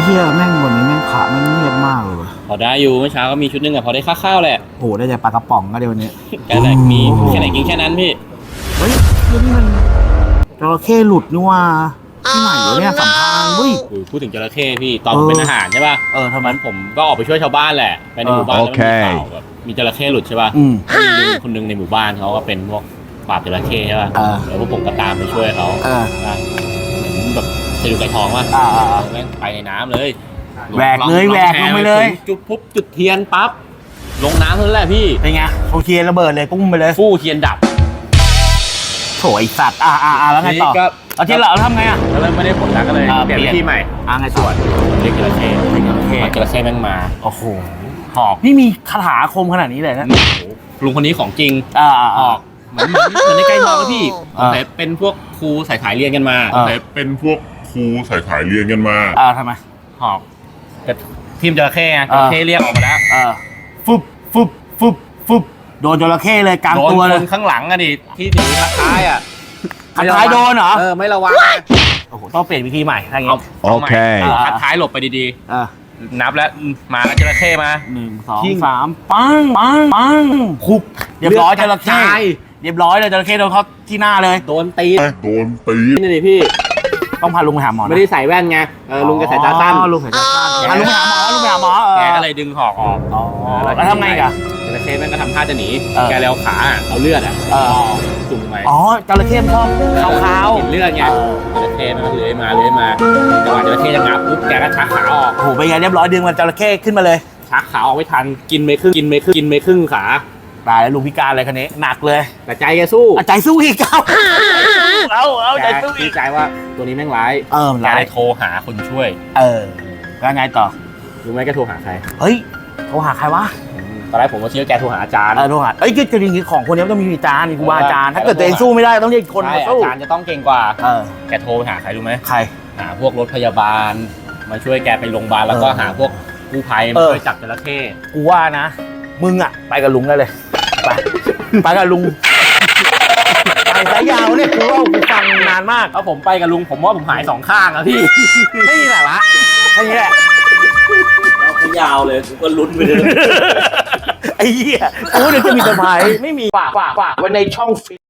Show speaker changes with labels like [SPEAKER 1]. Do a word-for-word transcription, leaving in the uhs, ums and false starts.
[SPEAKER 1] เฮียแม่งวันนี้แม่งพระแม่งเงียบมากเลย
[SPEAKER 2] พอได้อยู่เมื่อเช้าก็มีชุดนึงอะพอได้ค่าข้าวแหละ
[SPEAKER 1] โอ้โหได้แต่ปลากระป๋องก็เดี๋ยวนี้
[SPEAKER 2] แค่ไหนมีแค่ไหนกินแค่นั้นพี่
[SPEAKER 1] เฮ้ยนี่มันจระเข้หลุดนี่ว่าที่ไหนวะเนี่ยสัมพันธ์วุ้ย
[SPEAKER 2] พูดถึงจระเข้พี่ตอนผมเป็นทหารใช่ป่ะ
[SPEAKER 1] เออทำไม
[SPEAKER 2] มันผมก็ออกไปช่วยชาวบ้านแหละไปในหมู่บ้านแล้วมันมีข่าวแบบมีจระเข้หลุดใช่ป่ะ
[SPEAKER 1] อืม
[SPEAKER 2] มีลุงคนนึงในหมู่บ้านเขาก็เป็นพวกปราบจระเข้ใช่ป่ะ
[SPEAKER 1] เออ
[SPEAKER 2] แล้วพวกผมก็ตามไปช่วยเขา
[SPEAKER 1] เออ
[SPEAKER 2] แบบจะดูไก่ทองป่ะ
[SPEAKER 1] อ่าอ่าอ่า
[SPEAKER 2] แม่งไปในน้ำเลย
[SPEAKER 1] แหวกเลย
[SPEAKER 2] อง
[SPEAKER 1] แหวกลงไปเลย
[SPEAKER 2] จุดปุ๊บจุดเทียนปั๊บลงน้ำเท่านั้นแหละพี่
[SPEAKER 1] เป็นไงโอเคระเบิดเลยปุ้มไปเลย
[SPEAKER 2] ฟู่เทียนดับ
[SPEAKER 1] โถไอสัตว์อ่าอ่าอ่าแล้วไงต่อ
[SPEAKER 2] นี่ก็
[SPEAKER 1] เอาที่เราทำไงอ่ะ
[SPEAKER 2] ก็เริ่มไม่ได้ผลแล้วก็เลย
[SPEAKER 1] อ่า
[SPEAKER 2] เปลี่ยน
[SPEAKER 1] เปลี่ยน
[SPEAKER 2] วิธีใหม่
[SPEAKER 1] อ่าไงส่วน
[SPEAKER 2] เรียกจระเข้
[SPEAKER 1] เรียกจระเข้
[SPEAKER 2] จระเข้แม่งมา
[SPEAKER 1] โอ้โหหอกนี่มีคาถาอาคมขนาดนี้เลยนะ
[SPEAKER 2] โอ้โหลุงคนนี้ของจริง
[SPEAKER 1] อ่าอ่า
[SPEAKER 2] อ
[SPEAKER 1] อ่า
[SPEAKER 2] อกเหมือนเหมือนเหมือนในใกล้ทองแล้วพี่
[SPEAKER 1] อ่า
[SPEAKER 2] แต่เป็นพวกครูสายขายเรียนกันมา
[SPEAKER 1] อ่า
[SPEAKER 2] แต่
[SPEAKER 3] เป็นพวกครูสายขายเรียนกันมา
[SPEAKER 1] อ่าทำไม
[SPEAKER 2] หอกกับทีมจระเข้ไงจ
[SPEAKER 1] อ่า
[SPEAKER 2] ระเข้เรียกออกมาแล้ว
[SPEAKER 1] เออฟึบฟึบฟึบฟึบโดนจระเข้เลยกลาง
[SPEAKER 2] โดน
[SPEAKER 1] ตัว
[SPEAKER 2] ค
[SPEAKER 1] เลย
[SPEAKER 2] นข้างหลังอะดิที่ถือท้ายอะ
[SPEAKER 1] คัดท้ายโดนเหรอ
[SPEAKER 2] เออไม่ระวัง
[SPEAKER 1] โอ้โหต้องเปลี่ยนวิธีใหม่ถ้าอย่าง
[SPEAKER 2] เอา
[SPEAKER 1] งี้
[SPEAKER 2] เอาใหม่
[SPEAKER 3] โอเค
[SPEAKER 2] คัดท้ายหลบไปดี
[SPEAKER 1] อ่า
[SPEAKER 2] ๆนับแล้วมาแล้วจระเข้มา
[SPEAKER 1] หนึ่งสอง
[SPEAKER 2] ยิง
[SPEAKER 1] สามปังปังปังคุบเรียบร้อยจระเข้
[SPEAKER 2] ตาย
[SPEAKER 1] เรียบร้อยเลยจระเข้โดนเขาที่หน้าเลย
[SPEAKER 2] โดนตีน
[SPEAKER 3] โดนตี
[SPEAKER 2] นี่นี่พี่
[SPEAKER 1] ต้องพาลุงไปหาหมอนะ
[SPEAKER 2] ไม่ได้ใส่แว่นไงเออลุงแกสายตาสั้น
[SPEAKER 1] อ๋อลุงสายตาสั้นพาลุงไปหาหมอลุงไปหาหมอเออ
[SPEAKER 2] แกก็เลยดึงหอกออก
[SPEAKER 1] อ๋อแล้วทำไงอีกอ่ะ
[SPEAKER 2] จระเข้แม่งก็ทำท่าจะหนี
[SPEAKER 1] เออ
[SPEAKER 2] แกเลยเอาขาอะเอาเลือดอะ
[SPEAKER 1] เออ
[SPEAKER 2] จุ่มไป
[SPEAKER 1] อ๋อจระเข้มันชอบขาวๆ
[SPEAKER 2] กินเลือดไง
[SPEAKER 1] เออ
[SPEAKER 2] จระเข้มันก็เลื้อยมาเลื้อยมาจังหวะจระเข้จะงับปุ๊บแกก็ชักขาออก
[SPEAKER 1] โอ้โหเป็นไงเรียบร้อยดึงมันจระเข้ขึ้นมาเลย
[SPEAKER 2] ชักขาออกไม่ทันกินไม่ครึ่งกินไม่ครึ่งกินไม่ครึ่งขา
[SPEAKER 1] ตายแล้วลุงพิการเลยคันนี้หนักเลย
[SPEAKER 2] แต่ใจแกสู้
[SPEAKER 1] อ่ะใจสู้อีกเอาเอาเอาใจ
[SPEAKER 2] แก
[SPEAKER 1] สู้อี
[SPEAKER 2] คิ
[SPEAKER 1] ก
[SPEAKER 2] ดใจว่าตัวนี้แม่งร้าย
[SPEAKER 1] เออมัน
[SPEAKER 2] แก
[SPEAKER 1] ร้าย
[SPEAKER 2] เลยโทรหาคนช่วย
[SPEAKER 1] เออแล้วไงต่อ
[SPEAKER 2] รู้ไหมแกโทรหาใคร
[SPEAKER 1] เฮ้ยโทรหาใครวะ
[SPEAKER 2] ตอนแรกผมก็คิดว่าแกโทรหาอาจารย์
[SPEAKER 1] เออโทรหาเอ้ยคือจริงๆของคนนี้มันต้องมีอาจารย์มีครูบาอาจารย์ถ้าเกิดตัวเองสู้ไม่ได้ต้องเรียกคน
[SPEAKER 2] ใช่
[SPEAKER 1] มาสู้
[SPEAKER 2] อาจารย์จะต้องเก่งกว่า
[SPEAKER 1] เออ
[SPEAKER 2] แกโทรไปหาใครรู้ไหม
[SPEAKER 1] ใคร
[SPEAKER 2] หาพวกรถพยาบาล มาช่วยแกไปโรงพยาบาลแล้วก็
[SPEAKER 1] เออ
[SPEAKER 2] หาพวกกู้ภัย
[SPEAKER 1] เอ
[SPEAKER 2] มา
[SPEAKER 1] อ
[SPEAKER 2] ช่วยจับจระเข้
[SPEAKER 1] กูว่านะ มึงอ่ะไปกับลุงได้เลยไปไปกับลุงไปสายยาวเนี่ยกูว่ากูฟังนานมาก
[SPEAKER 2] ถ้าผมไปกับลุงผมว่าผมหายสองข้างอะพี่
[SPEAKER 1] ไม่มีแหละวะแค่นี้แหละ
[SPEAKER 2] เราก็ยาวเลยกูก็ลุ้นไปเลย
[SPEAKER 1] ไอ้เหี้ยกูเดี๋ยวจะมีเซอร์ไพรส์ไม่มีฝากฝากฝากไว้ในช่องฟิต